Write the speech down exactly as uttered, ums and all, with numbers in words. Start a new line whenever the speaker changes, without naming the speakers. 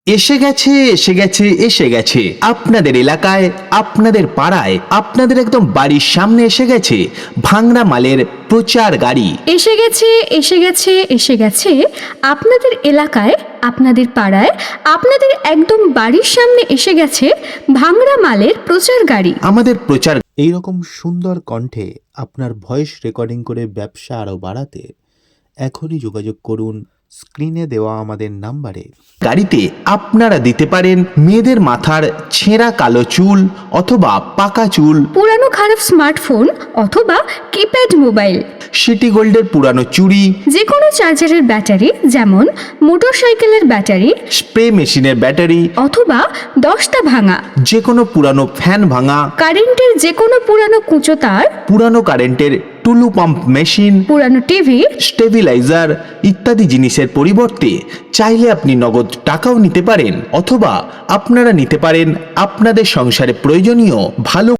এসে গেছে এসে গেছে এসে গেছে আপনাদের এলাকায়, আপনাদের পাড়ায়, আপনাদের একদম বাড়ির সামনে এসে গেছে ভাংড়া মালের প্রচার গাড়ি।
এসে গেছে এসে গেছে এসে গেছে আপনাদের এলাকায়, আপনাদের পাড়ায়, আপনাদের একদম বাড়ির সামনে এসে গেছে ভাংড়া মালের প্রচার গাড়ি।
আমাদের প্রচার
এইরকম সুন্দর কণ্ঠে আপনার ভয়েস রেকর্ডিং করে ব্যবসা আরও বাড়াতে এখনই যোগাযোগ করুন স্ক্রিনে দেওয়া আমাদের নাম্বারে।
গাড়িতে আপনারা দিতে পারেন মেয়েদের মাথার ছেঁড়া কালো চুল অথবা পাকা চুল,
পুরানো খারাপ স্মার্টফোন অথবা কিপ্যাড মোবাইল,
সিটি গোল্ডের পুরানো চুড়ি,
যে কোনো চার্জারের ব্যাটারি যেমন মোটরসাইকেলের ব্যাটারি
স্প্রে মেশিনের ব্যাটারি,
অথবা দশটা ভাঙা,
যে কোনো পুরানো ফ্যান ভাঙা,
কারেন্টের যে কোনো পুরানো কুঁচো তার,
পুরানো কারেন্টের টুলু পাম্প মেশিন,
পুরানো টিভি,
স্টেবিলাইজার ইত্যাদি জিনিসের পরিবর্তে চাইলে আপনি নগদ টাকাও নিতে পারেন, অথবা আপনারা নিতে পারেন আপনাদের সংসারে প্রয়োজনীয় ভালো